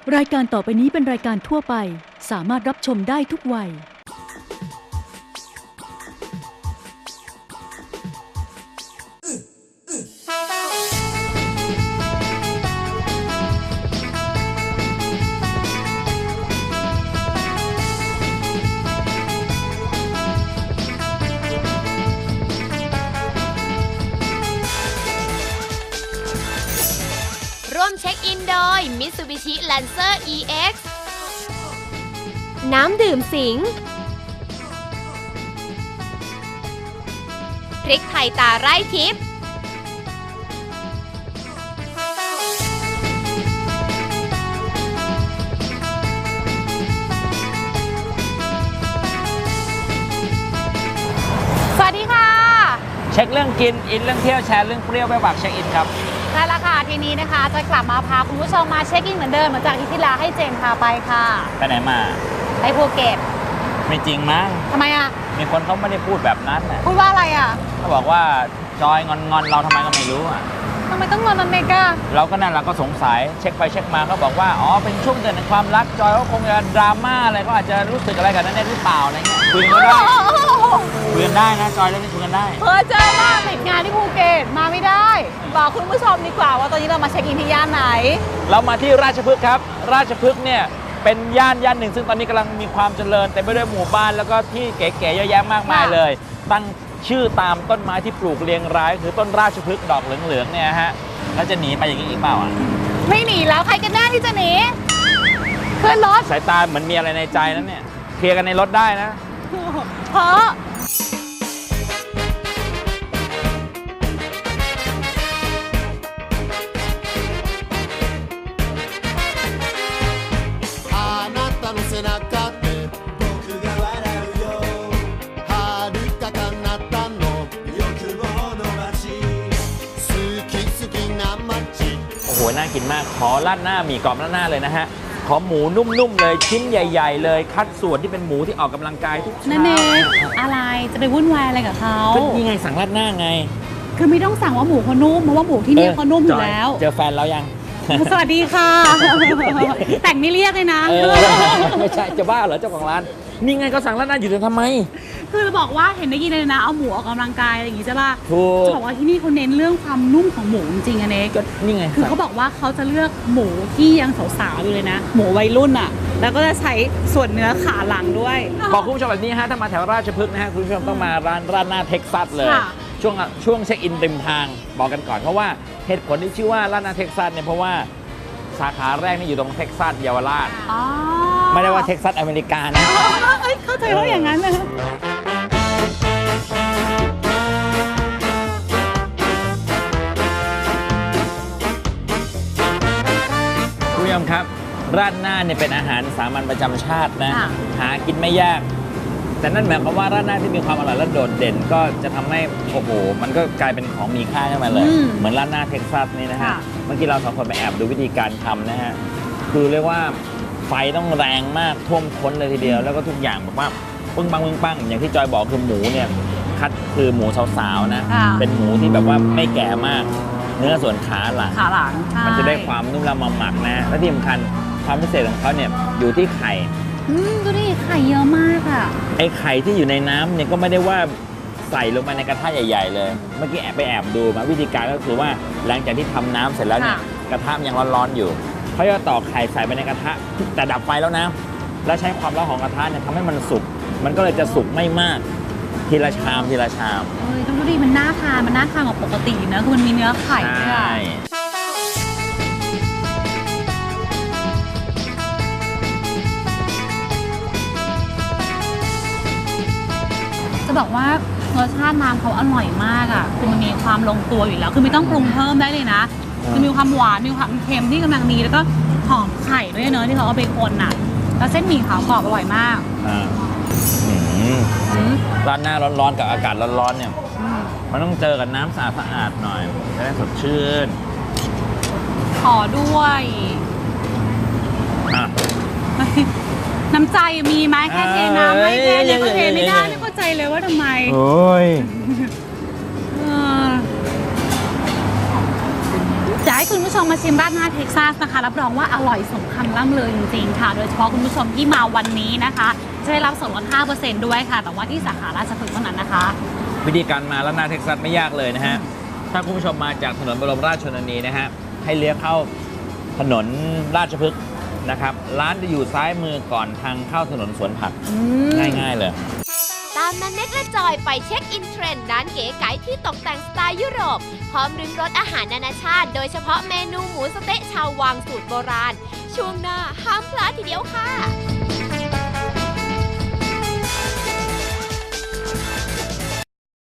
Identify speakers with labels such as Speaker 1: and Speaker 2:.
Speaker 1: รายการต่อไปนี้เป็นรายการทั่วไปสามารถรับชมได้ทุกวัย
Speaker 2: ร่วมเช็คอินโดย Mitsubishi Lancer EX น้ำดื่มสิงพริกไทยตาไร่ทิพย์สวัสดีค่ะ
Speaker 3: เช็คเรื่องกินอินเรื่องเที่ยวแชร์เรื่องเปรี้ยวไปฝากเช็คอินครับ
Speaker 2: ได้แล้วค่ะทีนี้นะคะจะกลับมาพาคุณผู้ชมมาเช็คอินเหมือนเดิมเหมือนจากที่แล้วให้เจนพาไปค่ะ
Speaker 3: ไปไหนมา
Speaker 2: ไปภูเก็ต
Speaker 3: ไม่จริงมั้ง
Speaker 2: ทำไมอ่ะ
Speaker 3: มีคนเขาไม่ได้พูดแบบนั้นน่ะ
Speaker 2: พูดว่าอะไรอ่ะ
Speaker 3: เขาบอกว่าจอยงอนเราทำไมก็ไม่รู้อ่ะ
Speaker 2: ทำไมต้องงอนมันเมกา
Speaker 3: เราก็นั่นเราก็สงสัยเช็คไปเช็คมาเขาบอกว่าอ๋อเป็นช่วงเดือนแห่งความรักจอยเขาคงจะดราม่าอะไรก็อาจจะรู้สึกอะไรกับนั่นหรือเปล่าอะไรเงี้ยคุยกันได้คุยกันได้นะจอยเรื่องนี้คุยกันได้
Speaker 2: เจอว่าติดงานที่ภูเก็ตมาไม่ได้บอกคุณผู้ชมดีกว่าว่าตอนนี้เรามาเช็คอินที่ย่านไหน
Speaker 3: เรามาที่ราชพฤกษ์ครับราชพฤกษ์เนี่ยเป็นย่านหนึ่งซึ่งตอนนี้กำลังมีความเจริญเต็มไปด้วยหมู่บ้านแล้วก็ที่เก๋ๆเยอะแยะมากมายเลยตั้งชื่อตามต้นไม้ที่ปลูกเรียงรายคือต้นราชพฤกษ์ดอกเหลืองๆเนี่ยฮะแล้วจะหนีไปอย่างนี้อีกเปล่าอ่ะ
Speaker 2: ไม่หนีแล้วใครกันแน่ที่จะหนีขึ้นรถ
Speaker 3: สายตาเหมือนมีอะไรในใจนั้นเนี่ยเคลียร์กันในรถได้นะ
Speaker 2: เพราะ
Speaker 3: โอ้โหน่ากินมากขอราดหน้าหมี่กรอบราดหน้าเลยนะฮะขอหมูนุ่มๆเลยชิ้นใหญ่ๆเลยคัดส่วนที่เป็นหมูที่ออกกำลังกายทุกเช้า
Speaker 2: นั่นเองอะไรจะไปวุ่นวายอะไรกับเขา
Speaker 3: ก็นี่ไงสั่งราดหน้าไง
Speaker 2: คือไม่ต้องสั่งว่าหมูเขานุ่มเพราะว่าหมูที่นี่เขานุ่มอยู่แล้ว
Speaker 3: เจอแฟนแล้วยัง
Speaker 2: สวัสดีค่ะแต่งไม่เรียกเลยนะ
Speaker 3: ไม่ใช่จะบ้าเหรอเจ้าของร้านนี่ไงก็สั่งราดหน้าอยู่แต่ทำไม
Speaker 2: คือจะบอกว่าเห็นได้ยินเลยนะเอาหมูออกกำลังกายอะไรอย่างงี้ใช่ป่ะ
Speaker 3: ถูก
Speaker 2: จะบอกว่าที่นี่เขาเน้นเรื่องความนุ่มของหมูจริงๆอะเนก
Speaker 3: ก็นี่ไง
Speaker 2: คือเขาบอกว่าเขาจะเลือกหมูที่ยังสาวๆอยู่เลยนะหมูวัยรุ่นอะแล้วก็จะใช้ส่วนเนื้อขาหลังด้วย
Speaker 3: บอกคุณผู้ชมแบบนี้ฮะถ้ามาแถวราชพฤกษ์นะฮะคุณผู้ชมต้องมาร้านราดหน้าเท็กซัสเลยช่วงเช็คอินริมทางบอกกันก่อนเพราะว่าเหตุผลที่ชื่อว่าราดหน้าเท็กซัสเนี่ยเพราะว่าสาขาแรกนี่อยู่ตรงเท็กซัสเยาวราชไม่ได้ว่าเท็กซัสอเมริกานะ
Speaker 2: เข้าใจว่าอย่างนั้นเลย
Speaker 3: คุณผู้ชมครับราดหน้าเนี่ยเป็นอาหารสามัญประจำชาตินะหากินไม่ยากแต่นั่นหมายความว่าราดหน้าที่มีความอร่อยและโดดเด่นก็จะทำให้โอ้โหมันก็กลายเป็นของมีค่าขึ้นมาเลยเหมือนราดหน้าเท็กซัสนี่นะฮะเมื่อกี้เราสองคนไปแอบดูวิธีการทำนะฮะคือเรียกว่าไฟต้องแรงมากท่วมท้นเลยทีเดียวแล้วก็ทุกอย่างแบบว่าปึ้งปังอย่างที่จอยบอกคือหมูเนี่ยคัดคือหมูสาวๆนะเป็นหมูที่แบบว่าไม่แก่มากเนื้อส่วนขาหลังมันจะได้ความนุ่มละมุนหมักนะและที่สำคัญความพิเศษของเขาเนี่ยอยู่ที่ไข่
Speaker 2: ดูดิไข่เยอะมากอ่ะ
Speaker 3: ไอ้ไข่ที่อยู่ในน้ำเนี่ยก็ไม่ได้ว่าใส่ลงไปในกระทะใหญ่ๆเลยเมื่อกี้แอบดูมาวิธีการก็คือว่าหลังจากที่ทำน้ำเสร็จแล้วเนี่ยกระทะยังร้อนๆอยู่เขาจะตอกไข่ใส่ไปในกระทะแต่ดับไฟแล้วนะแล้วใช้ความร้อนของกระทะเนี่ยทำให้มันสุกมันก็เลยจะสุกไม่มากทีละชาม
Speaker 2: ต้องดูดิมันน่าทานกว่าปกตินะคือมันมีเนื้อไข่ด้วยจะบอกว่ารสชาติน้ำเขาอร่อยมากอ่ะคือมันมีความลงตัวอยู่แล้วคือไม่ต้องปรุงเพิ่มได้เลยนะคือมีความหวานมีความเค็มที่กำลังดีแล้วก็หอมไข่ด้วยเนอะที่เขาเอาไปคนอ่ะแล้วเส้นหมี่ขาวกรอบอร่อยมาก
Speaker 3: ร้านหน้าร้อนๆกับอากาศร้อนๆเนี่ยมันต้องเจอกับน้ำสะอาดๆหน่อยจะได้สดชื่น
Speaker 2: ขอด้วยน้ำใจมีไหมแค่เทน้ำไม่แค่นี้ก็เทไม่ได้ไม่เข้าใจเลยว่าทำไม
Speaker 3: โอ้ย
Speaker 2: ใจให้คุณผู้ชมมาชิมราดหน้าเท็กซัสนะคะรับรองว่าอร่อยสมคำล่ำลือจริงๆค่ะโดยเฉพาะคุณผู้ชมที่มาวันนี้นะคะจะได้รับส่วนลด 5% ด้วยค่ะแต่ว่าที่สาขาราชพฤกษ์เท่านั้นนะคะ
Speaker 3: วิธีการมาราดหน้าเท็กซัสไม่ยากเลยนะฮะถ้าคุณผู้ชมมาจากถนนบรมราชชนนีนะฮะให้เลี้ยวเข้าถนนราชพฤกษ์นะครับร้านจะอยู่ซ้ายมือก่อนทางเข้าถนนสวนผักง่ายๆเลย
Speaker 4: ตามนันเน็กและจอยไปเช็คอินเทรนด์ร้านเก๋ไก๋ที่ตกแต่งสไตล์ยุโรปพร้อมริมรสอาหารนานาชาติโดยเฉพาะเมนูหมูสะเต๊ะชาววังสูตรโบราณช่วงหน้าห้ามพลาดทีเดียวค่ะ